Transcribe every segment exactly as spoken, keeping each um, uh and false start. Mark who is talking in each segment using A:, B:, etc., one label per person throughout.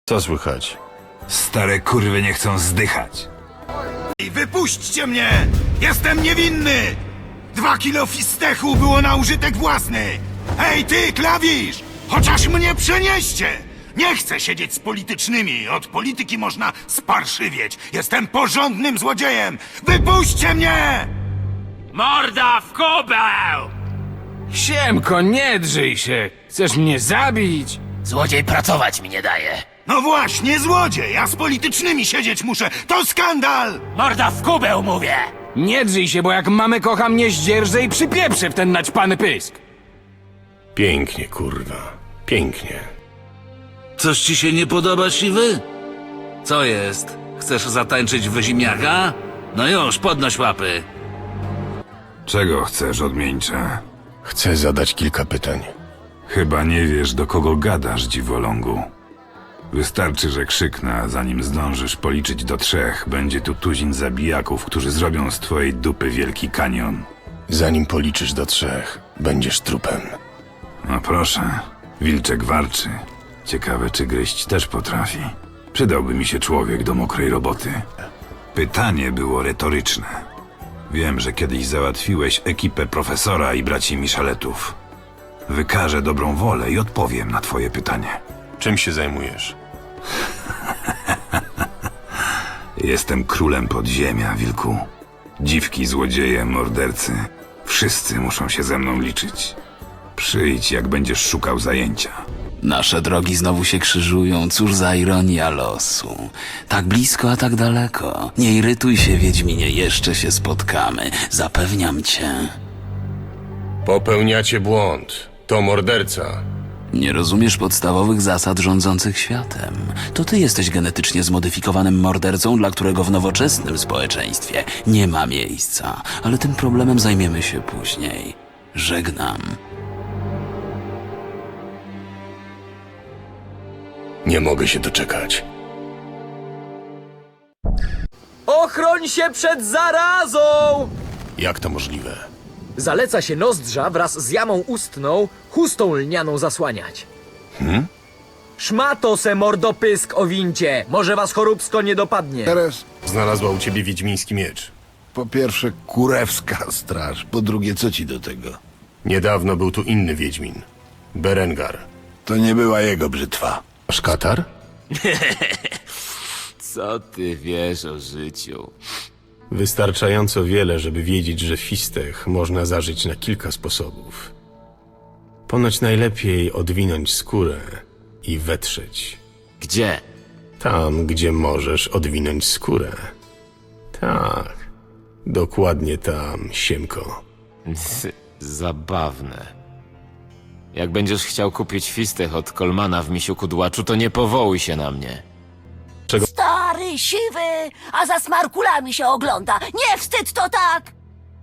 A: Co słychać?
B: Stare kurwy nie chcą zdychać.
C: I wypuśćcie mnie! Jestem niewinny! Dwa kilo fistechu było na użytek własny! Hej ty, klawisz! Chociaż mnie przenieście! Nie chcę siedzieć z politycznymi. Od polityki można sparszywieć. Jestem porządnym złodziejem! Wypuśćcie mnie!
D: Morda w kubeł! Siemko, nie drzyj się! Chcesz mnie zabić?
E: Złodziej pracować mi nie daje.
C: No właśnie, złodziej! Ja z politycznymi siedzieć muszę! To skandal!
E: Morda w kubeł, mówię!
D: Nie drzyj się, bo jak mamę kocha mnie zdzierżę i przypieprzę w ten naćpany pysk.
A: Pięknie, kurwa. Pięknie.
F: Coś ci się nie podoba, siwy? Co jest? Chcesz zatańczyć w ziemniaka? No już, podnoś łapy.
B: Czego chcesz, odmieńcze?
A: Chcę zadać kilka pytań.
B: Chyba nie wiesz, do kogo gadasz, dziwolągu. Wystarczy, że krzyknę, a zanim zdążysz policzyć do trzech, będzie tu tuzin zabijaków, którzy zrobią z twojej dupy wielki kanion.
A: Zanim policzysz do trzech, będziesz trupem.
B: No proszę, wilczek warczy. Ciekawe, czy gryźć też potrafi. Przydałby mi się człowiek do mokrej roboty. Pytanie było retoryczne. Wiem, że kiedyś załatwiłeś ekipę profesora i braci Michaletów. Wykażę dobrą wolę i odpowiem na twoje pytanie.
A: Czym się zajmujesz?
B: Jestem królem podziemia, wilku. Dziwki, złodzieje, mordercy. Wszyscy muszą się ze mną liczyć. Przyjdź, jak będziesz szukał zajęcia.
E: Nasze drogi znowu się krzyżują, cóż za ironia losu. Tak blisko, a tak daleko. Nie irytuj się, Wiedźminie, jeszcze się spotkamy. Zapewniam cię.
A: Popełniacie błąd. To morderca.
E: Nie rozumiesz podstawowych zasad rządzących światem. To ty jesteś genetycznie zmodyfikowanym mordercą, dla którego w nowoczesnym społeczeństwie nie ma miejsca. Ale tym problemem zajmiemy się później. Żegnam.
A: Nie mogę się doczekać.
G: Ochroń się przed zarazą!
A: Jak to możliwe?
G: Zaleca się nozdrza wraz z jamą ustną chustą lnianą zasłaniać. Hmm? Szmato se mordopysk o wincie! Może was choróbsko nie dopadnie.
H: Teraz
A: Znalazła u ciebie wiedźmiński miecz.
H: po pierwsze kurewska straż, po drugie co ci do tego?
A: Niedawno był tu inny wiedźmin. Berengar.
H: To nie była jego brzytwa.
A: Masz katar?
D: Co ty wiesz o życiu?
A: Wystarczająco wiele, żeby wiedzieć, że fistech można zażyć na kilka sposobów. Ponoć najlepiej odwinąć skórę i wetrzeć.
D: Gdzie?
A: Tam, gdzie możesz odwinąć skórę. Tak, dokładnie tam, siemko.
D: Zabawne. Jak będziesz chciał kupić fistech od Kolmana w misiu kudłaczu, to nie powołuj się na mnie.
I: Stary, siwy, a za smarkulami się ogląda. Nie wstyd to tak!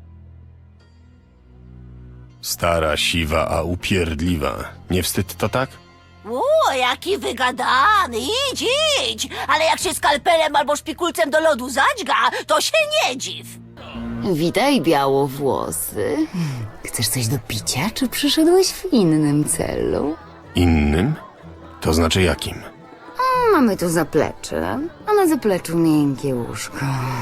A: Stara, siwa, a upierdliwa. Nie wstyd to tak?
I: O, jaki wygadany, idź, idź! Ale jak się skalpelem albo szpikulcem do lodu zadźga, to się nie dziw.
J: Witaj, białowłosy. Chcesz coś do picia, czy przyszedłeś w innym celu?
A: Innym? To znaczy jakim?
J: Mamy tu zaplecze, a na zapleczu miękkie łóżko.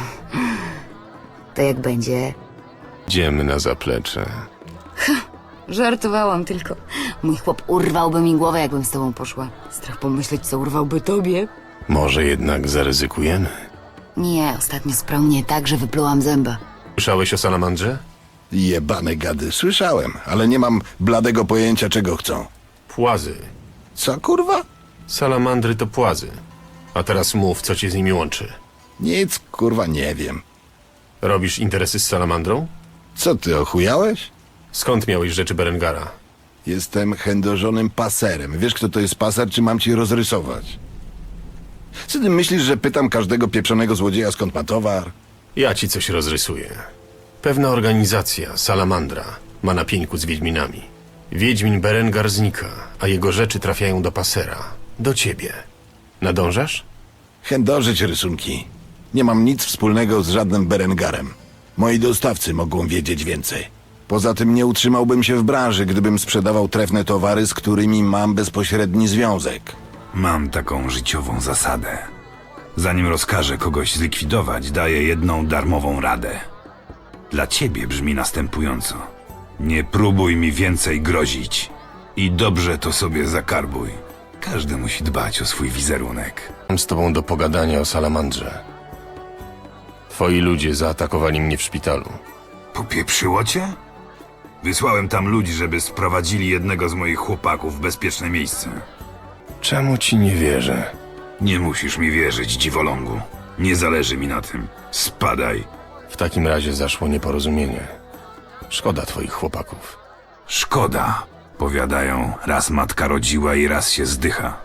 J: To jak będzie?
A: Idziemy na zaplecze.
J: Żartowałam tylko. Mój chłop urwałby mi głowę, jakbym z tobą poszła. Strach pomyśleć, co urwałby tobie.
A: Może jednak zaryzykujemy?
J: Nie, ostatnio sprał mnie tak, że wyplułam zęba.
A: Słyszałeś o salamandrze?
H: Jebane gady, słyszałem, ale nie mam bladego pojęcia czego chcą.
A: Płazy.
H: Co kurwa?
A: Salamandry to płazy. A teraz mów, co cię z nimi łączy.
H: Nic kurwa nie wiem.
A: Robisz interesy z salamandrą?
H: Co ty ochujałeś?
A: Skąd miałeś rzeczy Berengara?
H: Jestem chędożonym paserem. Wiesz kto to jest paser, czy mam ci rozrysować? Co ty myślisz, że pytam każdego pieprzonego złodzieja skąd ma towar?
A: Ja ci coś rozrysuję. Pewna organizacja, Salamandra, ma na pieńku z Wiedźminami. Wiedźmin Berengar znika, a jego rzeczy trafiają do pasera. Do ciebie. Nadążasz?
H: Chędożyć rysunki. Nie mam nic wspólnego z żadnym Berengarem. Moi dostawcy mogą wiedzieć więcej. Poza tym nie utrzymałbym się w branży, gdybym sprzedawał trefne towary, z którymi mam bezpośredni związek.
B: Mam taką życiową zasadę. Zanim rozkażę kogoś zlikwidować, daję jedną darmową radę. Dla ciebie brzmi następująco. Nie próbuj mi więcej grozić. I dobrze to sobie zakarbuj. Każdy musi dbać o swój wizerunek.
A: Mam z tobą do pogadania o salamandrze. Twoi ludzie zaatakowali mnie w szpitalu.
B: Popieprzyło cię? Wysłałem tam ludzi, żeby sprowadzili jednego z moich chłopaków w bezpieczne miejsce.
A: Czemu ci nie wierzę?
B: Nie musisz mi wierzyć, dziwolągu. Nie zależy mi na tym. Spadaj.
A: W takim razie zaszło nieporozumienie. Szkoda twoich chłopaków.
B: Szkoda. Powiadają, raz matka rodziła i raz się zdycha.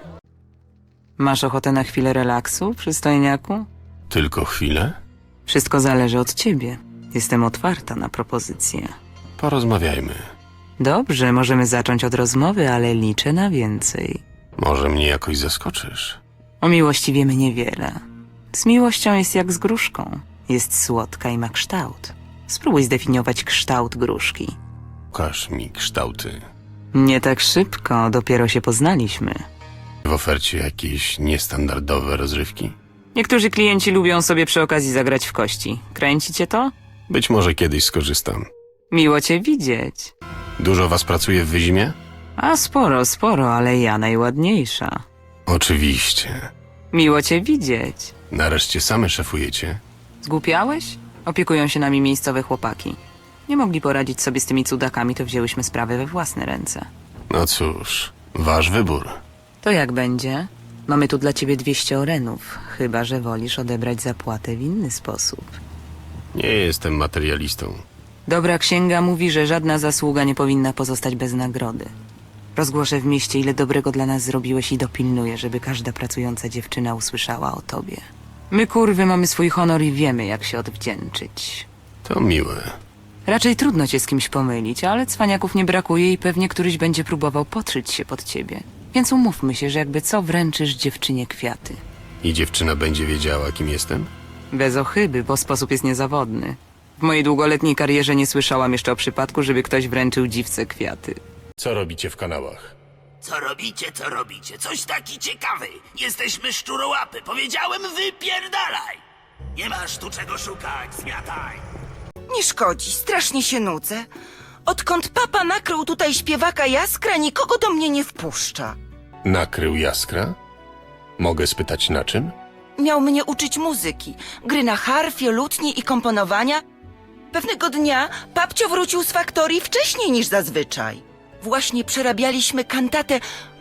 K: Masz ochotę na chwilę relaksu, przystojniaku?
A: Tylko chwilę?
K: Wszystko zależy od ciebie. Jestem otwarta na propozycje.
A: Porozmawiajmy.
K: Dobrze, możemy zacząć od rozmowy, ale liczę na więcej.
A: Może mnie jakoś zaskoczysz.
K: O miłości wiemy niewiele. Z miłością jest jak z gruszką. Jest słodka i ma kształt. Spróbuj zdefiniować kształt gruszki.
A: Pokaż mi kształty.
K: Nie tak szybko, dopiero się poznaliśmy.
A: W ofercie jakieś niestandardowe rozrywki?
K: Niektórzy klienci lubią sobie przy okazji zagrać w kości. Kręci cię to?
A: Być może kiedyś skorzystam.
K: Miło cię widzieć.
A: Dużo was pracuje w Wyzimie?
K: A sporo, sporo, ale ja najładniejsza.
A: Oczywiście.
K: Miło cię widzieć.
A: Nareszcie same szefujecie?
K: Zgłupiałeś? Opiekują się nami miejscowe chłopaki. Nie mogli poradzić sobie z tymi cudakami, to wzięłyśmy sprawę we własne ręce.
A: No cóż, wasz wybór.
K: To jak będzie? Mamy tu dla ciebie dwieście orenów, chyba że wolisz odebrać zapłatę w inny sposób.
A: Nie jestem materialistą.
K: Dobra księga mówi, że żadna zasługa nie powinna pozostać bez nagrody. Rozgłoszę w mieście, ile dobrego dla nas zrobiłeś i dopilnuję, żeby każda pracująca dziewczyna usłyszała o tobie. My kurwy mamy swój honor i wiemy, jak się odwdzięczyć.
A: To miłe.
K: Raczej trudno cię z kimś pomylić, ale cwaniaków nie brakuje i pewnie któryś będzie próbował podszyć się pod ciebie. Więc umówmy się, że jakby co wręczysz dziewczynie kwiaty.
A: I dziewczyna będzie wiedziała, kim jestem?
K: Bez ochyby, bo sposób jest niezawodny. W mojej długoletniej karierze nie słyszałam jeszcze o przypadku, żeby ktoś wręczył dziwce kwiaty.
A: Co robicie w kanałach?
C: Co robicie, co robicie? Coś taki ciekawy. Jesteśmy szczurołapy. Powiedziałem, wypierdalaj. Nie masz tu czego szukać, zmiataj.
L: Nie szkodzi, strasznie się nudzę. Odkąd papa nakrył tutaj śpiewaka Jaskra, nikogo do mnie nie wpuszcza.
A: Nakrył Jaskra? Mogę spytać na czym?
L: Miał mnie uczyć muzyki, gry na harfie, lutni i komponowania. Pewnego dnia papcio wrócił z faktorii wcześniej niż zazwyczaj. Właśnie przerabialiśmy kantatę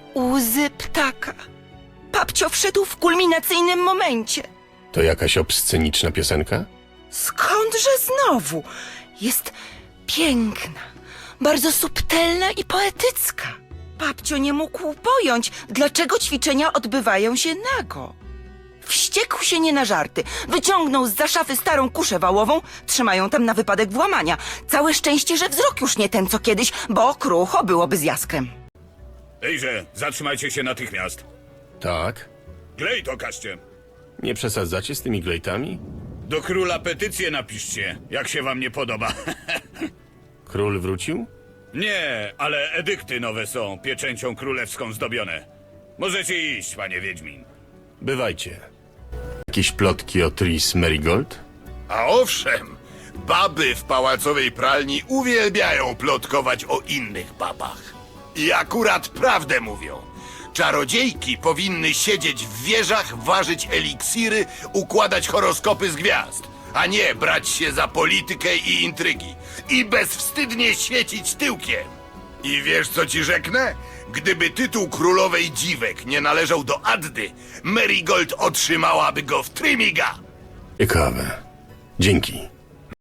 L: Łzy ptaka. Papcio wszedł w kulminacyjnym momencie.
A: To jakaś obsceniczna piosenka?
L: Skądże znowu? Jest piękna, bardzo subtelna i poetycka. Papcio nie mógł pojąć, dlaczego ćwiczenia odbywają się nago. Wściekł się nie na żarty. Wyciągnął zza szafy starą kuszę wałową, trzymają tam na wypadek włamania. Całe szczęście, że wzrok już nie ten co kiedyś, bo krucho byłoby z Jaskrem.
C: Ejże, zatrzymajcie się natychmiast.
A: Tak.
C: Glejt okażcie.
A: Nie przesadzacie z tymi glejtami?
C: Do króla petycję napiszcie, jak się wam nie podoba.
A: Król wrócił?
C: Nie, ale edykty nowe są, pieczęcią królewską zdobione. Możecie iść, panie Wiedźmin.
A: Bywajcie. Jakieś plotki o Tris Merigold?
M: A owszem, baby w pałacowej pralni uwielbiają plotkować o innych babach. I akurat prawdę mówią. Czarodziejki powinny siedzieć w wieżach, ważyć eliksiry, układać horoskopy z gwiazd, a nie brać się za politykę i intrygi i bezwstydnie świecić tyłkiem. I wiesz, co ci rzeknę? Gdyby tytuł królowej dziwek nie należał do Addy, Merigold otrzymałaby go w trymiga.
A: Ciekawe. Dzięki.